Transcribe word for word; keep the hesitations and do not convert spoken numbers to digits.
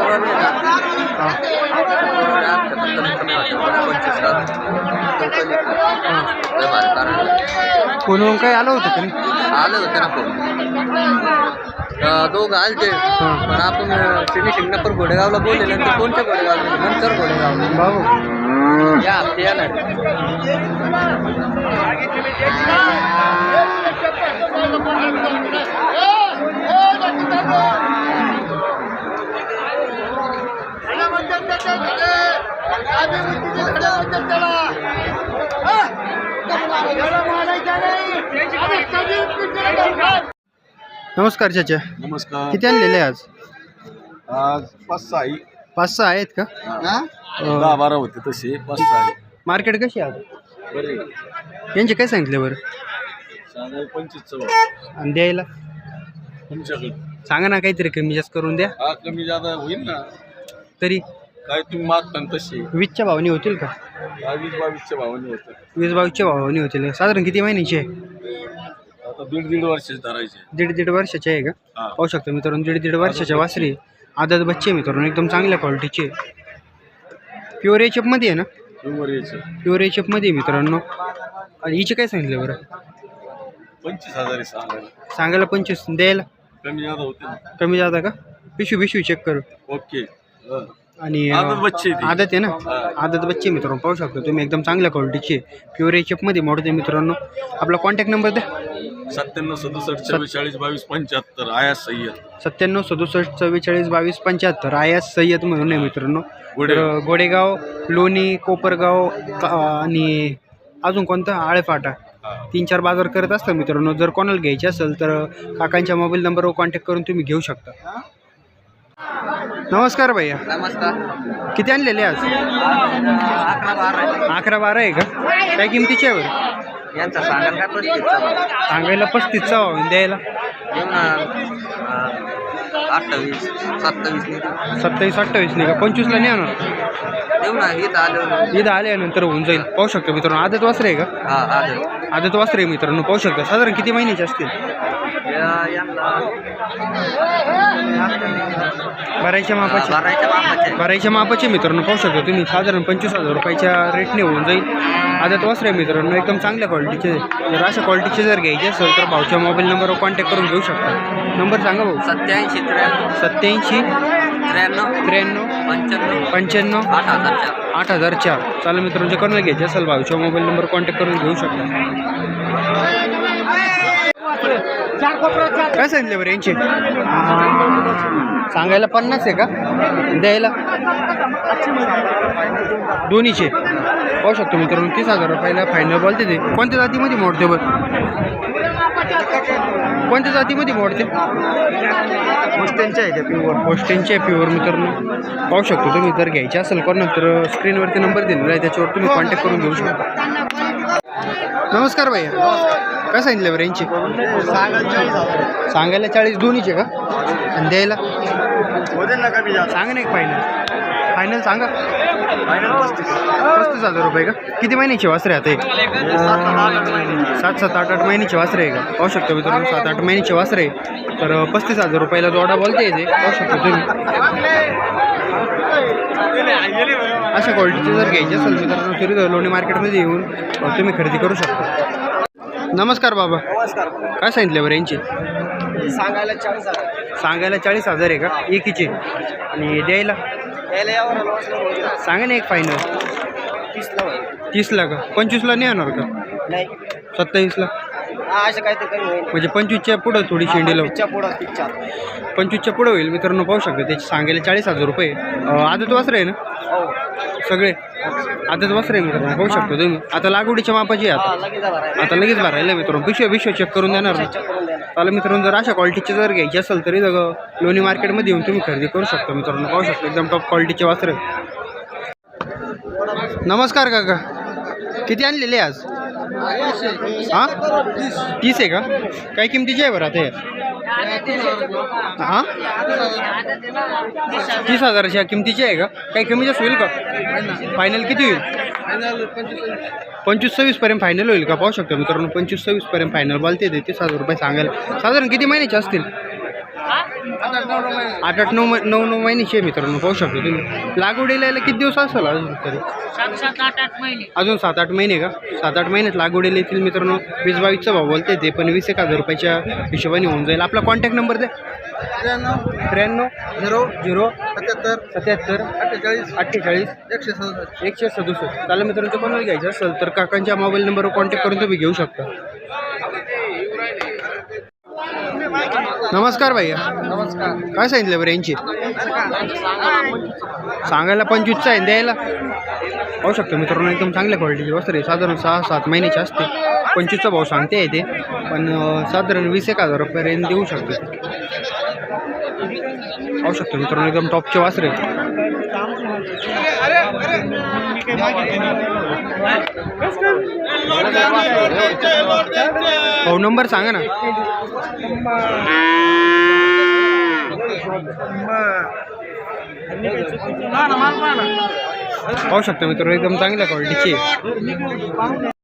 कोण काय आलं होतं का नाही? आलं होतं ना फोन दोघं आलते पण आपण फिनिशिंग नंबर घोडेगावला बोलले नंतर कोणत्या घोडेगावला नंतर घोडेगावला बाबू या हप्ते येणार नमस्कार चाचा. नमस्कार. किती आणलेले आज? आज पाच सहा आहे. पाच सहा आहेत का? दहा बारा होते तसे पाच सहा आहे. मार्केट कशी आहे बरे यांचे काय सांगितले बरं? सांगा पंचवीस चव्वा आणि द्यायला तुमच्याकडे सांगा ना काहीतरी कमी जास्त करून द्या. हा कमी जादा होईल ना. तरी काय तुम्ही मागता तसे वीसच्या भावाने होतील का? वीस बावीसच्या भावाने होतं. वीस बावीसच्या भावाने होतील. साधारण किती महिन्याची आहे? आता दीड दीड वर्षाचे धरायचे. दीड दीड वर्षाची आहे का? हा. पाहू शकतो मित्रांनो, दीड दीड वर्षाच्या वासरी आदत बच्चे मित्रांनो एकदम चांगल्या क्वालिटीचे. प्युअर एच मध्ये आहे ना? प्युअर यायचं प्युअर एच मध्ये मित्रांनो. आणि हिचे काय सांगितलं बरं? पंचवीस हजार आहे सांगायला. सांगायला पंचवीस, द्यायला कमी जादा होते ना. कमी जाता का? पिशवी पिशवी चेक करू. ओके. हा. आणि आदत बच्चे ती. आदत आहे ना? हा. आदत बच्चे मित्रांनो पाहू शकतो तुम्ही एकदम चांगल्या क्वालिटीचे प्युअर एच मध्ये मोडते मित्रांनो. आपला कॉन्टॅक्ट नंबर द्या. सत्त्याण्णव सदुसष्ट चव्वेचाळीस बावीस पंच्याहत्तर आयास सय्यद. सत्त्याण्णव सदुसष्ट चव्वेचाळीस बावीस पंच्याहत्तर आयास सय्यद म्हणून आहे मित्रांनो. गोडेगाव. तर गोडेगाव, लोणी, कोपरगाव का- आणि अजून कोणता आळेफाटा तीन चार बाजार करत असतात मित्रांनो. जर कोणाला घ्यायचे असेल तर काकांच्या मोबाईल नंबरवर कॉन्टॅक्ट करून तुम्ही घेऊ शकता. नमस्कार भैया. नमस्कार. किती आणलेले आज? अकरा बारा अकरा बारा आहे का? काय किमतीचे आहे बरं? यांचा सांगाल काय पस्तीस सांगायला पस्तीसचा भाव, द्यायला घेऊ ना अठ्ठावीस सत्तावीस सत्तावीस अठ्ठावीस नाही का? पंचवीसला नाही आणणार? देऊ ना इथं आलं इथं आल्यानंतर होऊन जाईल. पाहू शकतो मित्रांनो आदत वासरे आहे का? हा आलं आदत वासरे आहे मित्रांनो पाहू शकता. साधारण किती महिन्याचे असतील? भरायच्या मापाचे भरायच्या बापाचे भरायच्या मापाचे मित्रांनो पाहू शकता तुम्ही. साधारण पंचवीस हजार रुपयाच्या रेटने होऊन जाईल. आदत वासरे मित्रांनो एकदम चांगल्या क्वालिटीचे. जर अशा क्वालिटीचे जर घ्यायचे असेल तर भाऊच्या मोबाईल नंबरवर कॉन्टॅक्ट करून घेऊ शकता. नंबर सांगा भाऊ. सत्याऐंशी त्र्याण्णव सत्याऐंशी त्र्याण्णव त्र्याण्णव पंच्याण्णव पंच्याण्णव आठ हजार चार आठ हजार चार. चालेल मित्रांनो, जे कोणाला घ्यायचे असेल भाऊच्या मोबाईल नंबर कॉन्टॅक्ट करून घेऊ शकता. काय सांगितले बरं यांचे? सांगायला पन्नास आहे का? द्यायला दोन्हीचे पाहू शकतो मित्रांनो. तीस हजार रुपयाला फायनल बोलते ते. कोणत्या जातीमध्ये मोडते बरं? कोणत्या जातीमध्ये मोडते? होस्टेलचे आहे ते प्युअर होस्टेनचे प्युअर मित्रांनो पाहू शकतो तुम्ही. जर घ्यायचे असेल कोणा तर स्क्रीनवरती नंबर दिलेला आहे, त्याच्यावर तुम्ही कॉन्टॅक्ट करून घेऊ शकता. नमस्कार भैया. काय सांगितलं बरं यांची? सांगायला चाळीस दोन्हीचे का? आणि द्यायला सांगा ना एक फायनल. फायनल सांगा. पस्तीस हजार रुपये का? किती महिन्याचे वासरे आता? सात सात आठ आठ महिन्याचे वासरे आहे का? पाहू शकतो मित्रांनो सात आठ महिन्याचे वासरे आहे. तर पस्तीस हजार रुपयाला जोडा बोलते येते. पाहू शकतो तुम्ही. अशा क्वालिटीचे जर घ्यायचे असेल मित्रांनो तरी लोणी मार्केटमध्ये येऊन तुम्ही खरेदी करू शकता. नमस्कार बाबा. काय सांगितलं बरं यांची? सांगायला चाळीस हजार सांगायला चाळीस हजार आहे का एकीचे? आणि द्यायला सांगा ना एक फायनल. तीसला तीसला का? पंचवीसला नाही येणार का? नाही सत्तावीसला असं काय ते कमी होईल. म्हणजे पंचवीसच्या पुढं थोडी शेंडीला पुढं पिक्चर पंचवीसच्या पुढं होईल मित्रांनो पाहू शकता. त्याची सांगायला चाळीस हजार रुपये. आदत वासरे आहे ना सगळे? आदत वासरे आहे मित्रांनो पाहू शकतो तुम्ही. आता लागवडीच्या मापाची आहे आता आता लगेच भरायला मित्रांनो. पिशव्या पिशव्या चेक करून देणार ना. चालेल मित्रांनो, जर अशा क्वालिटीचे जर घ्यायचे असेल तरी लोणी मार्केटमध्ये येऊन तुम्ही खरेदी करू शकता मित्रांनो. पाहू शकता एकदम टॉप क्वालिटीचे वासरे. नमस्कार काका. किती आणलेले आज? हां तीस आहे का? काय किमतीची आहे बरं आता हे? हां तीस हजाराच्या किमतीची आहे का? काही कमी जास्त होईल का? फायनल किती होईल? पंचवीस सव्वीसपर्यंत फायनल होईल का? पाहू शकतो मित्रांनो पंचवीस सव्वीसपर्यंत फायनल बोलते ते. तीस हजार रुपये सांगायला. साधारण किती महिन्याचे असतील? आठ आठ नऊ मै- नऊ नऊ महिन्याची आहे मित्रांनो, पाहू शकतो तुम्ही. लागवडीला यायला किती दिवस असेल अजून तरी? अजून सात आठ महिने का? सात आठ महिन्यात लागवडीला येतील मित्रांनो. वीस बावीसचा भाव बोलते ते, पण वीस एक हजार रुपयाच्या हिशोबाने होऊन जाईल. आपला कॉन्टॅक्ट नंबर द्या. त्र्याण्णव झिरो झिरो सत्याहत्तर सत्याहत्तर अठ्ठेचाळीस अठ्ठेचाळीस एकशे सदुसष्ट एकशे सदुसष्ट. चालेल मित्रांनो, कोणाला घ्यायचं असेल तर काकांच्या मोबाईल नंबरवर कॉन्टॅक्ट करून तुम्ही घेऊ शकता. नमस्कार भैया, नमस्कार. काय सांगितलं बरं यांची? सांगायला पंचवीसचा आहे, द्यायला पाहू शकतो मित्रांनो. एकदम चांगल्या क्वालिटीची वस्त्र आहे. साधारण सहा सात महिन्याची असते. पंचवीसचा भाव सांगते आहे ते, पण अं, साधारण वीस एक हजार रुपयापर्यंत देऊ शकतो. पाहू शकतो मित्रांनो, एकदम टॉपचे वासरे आहे. हो, नंबर सांगा ना. पाहू शकतो मित्रांनो, एकदम चांगल्या क्वालिटीची आहे.